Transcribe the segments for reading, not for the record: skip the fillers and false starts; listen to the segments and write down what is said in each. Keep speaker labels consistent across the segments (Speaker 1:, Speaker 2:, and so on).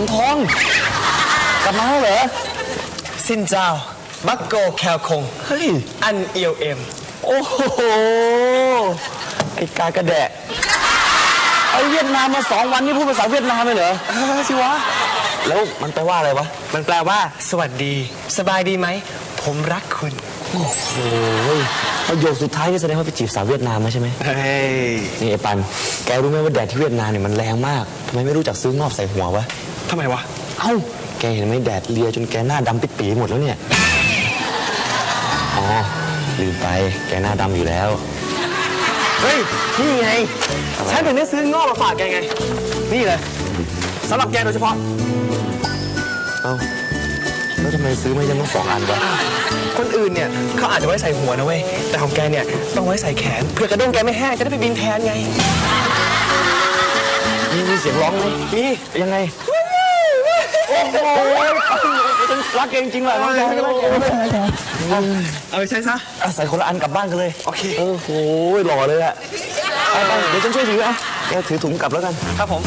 Speaker 1: งทองกลับมาแล้วเหรอ
Speaker 2: สินเจ้าบักโกแคลคง
Speaker 1: เฮ้ย
Speaker 2: อันเอียวเอ็ม
Speaker 1: โอ้โหไอ้กากระแดะไอ้เวียดนามมา2 วันนี่พูดภาษาเวียดนามเลยเหรอสิวะแล้วมันแปลว่าอะไรวะ
Speaker 2: มันแปลว่าสวัสดีสบายดีไหมผมรักคุณ
Speaker 1: โอ้โหประโยคสุดท้ายนี่แสดงว่าไปจีบสาวเวียดนามมาใช่ไหม
Speaker 2: เฮ้ย
Speaker 1: นี่ไอ้ปันแกรู้ไหมว่าแดดที่เวียดนามเนี่ยมันแรงมากทำไมไม่รู้จักซื้องอบใส่หัววะ
Speaker 2: ทำไมวะ
Speaker 1: เอ้าแกเห็นไหมแดดเลียจนแกหน้าดำปิดปีหมดแล้วเนี่ยอ๋อลืมไปแกหน้าดำอยู่แล้ว
Speaker 2: เฮ้ยนี่ไงฉันถึงได้ซื้องอกมาฝากแกไงนี่เลยสำหรับแกโดยเฉพาะ
Speaker 1: เอ้าแล้วทำไมซื้อไม่ยังต้อง2 อันวะ
Speaker 2: คนอื่นเนี่ยเขาอาจจะไว้ใส่หัวนะเว้ยแต่ของแกเนี่ยต้องไว้ใส่แขนเพื่อกระด้งแกไม่แห้งจะได้ไปบินแทนไง
Speaker 1: มีเสียงร้องไหม
Speaker 2: มี
Speaker 1: ยังไงโอ้โหฉันรักเองจริงเลย
Speaker 2: เอาไปใช้ซะ
Speaker 1: ใส่คนละอันกลับบ้านกันเลย
Speaker 2: โอเค
Speaker 1: โอ้โหหล่อเลยอะไปเดี๋ยวฉันช่วยถือเอาแกถือถุงกลับแล้วกัน
Speaker 2: ครับผม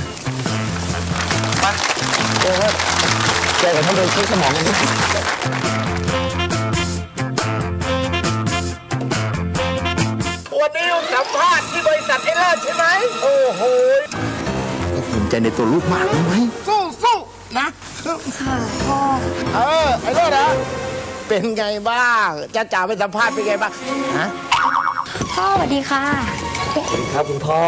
Speaker 2: ไป
Speaker 1: แกกับท่านเดินเช็คสมองกันดิ
Speaker 2: วันนี้สัมภาษณ์ที่บริษัทไอ้เลิศใช่ไหมโอ้โห
Speaker 1: ภูมิใจในตัวลูกมากรู้ไหม
Speaker 3: สู้นะ
Speaker 4: ค่ะพ่อ
Speaker 3: ไอ้เลิศนะเป็นไงบ้างจ้าจ๋าไปสัมภาษณ์เป็นไงบ้างฮะ
Speaker 4: พ่อสวัสดีค่ะ
Speaker 1: สวัสดีครับคุณพ่อ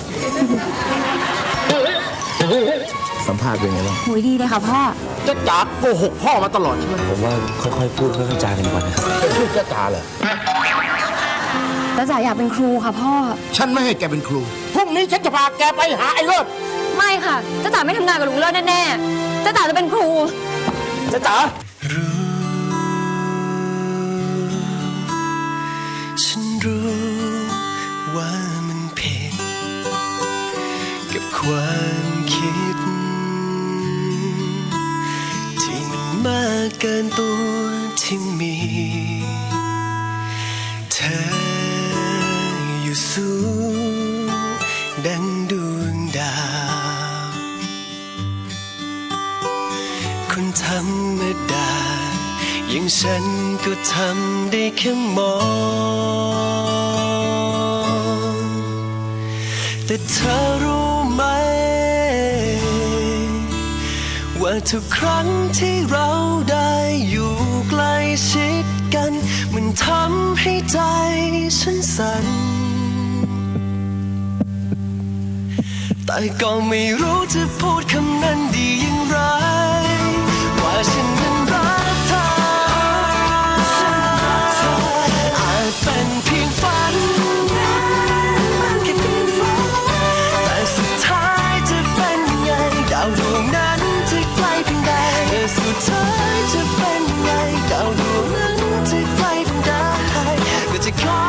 Speaker 1: สัมภาษณ์เป็นไงบ้าง
Speaker 4: หุยดีเลยค่ะพ่อ
Speaker 3: จ้าจ๋าโกหกพ่อมาตลอดใช่ไหม
Speaker 1: ผมว่าค่อยๆพูดค่อยๆจากันก่อนนะครับ
Speaker 3: เป็นลูกจ้าจ๋าเหรอ
Speaker 4: จ้าจ๋าอยากเป็นครูค่ะพ่อ
Speaker 3: ฉันไม่ให้แกเป็นครูพรุ่งนี้ฉันจะพาแกไปหาไอ้เลิศ
Speaker 4: ไม่ค่ะจ้าจ๋าไม่ทำงานกับลุงเลิศแน่ๆจ้าจ๋าจะเป็นครู
Speaker 1: จ้าจ๋า
Speaker 5: ฉันรู้ว่ามันผิดกับความคิดที่มันมากเกินตัวที่มีเธออยู่สูงดังดวงดาวคนธรรมดาอย่างฉันก็ทำได้แค่มองแต่เธอรู้ไหมว่าทุกครั้งที่เราได้อยู่ใกล้ชิดกันมันทำให้ใจฉันสั่นแต่ก็ไม่รู้จะพูดคำนั้นดีอย่างไรว่าฉันนั้นรักเธออาจเป็นเพียงฝันแค่ฝันแต่สุดท้ายจะเป็นยังไงดาวดวงนั้นจะไกลเพียงใดแต่สุดท้ายจะเป็นยังไงดาวดวงนั้นจะไกลเพียงใดก็จะขอ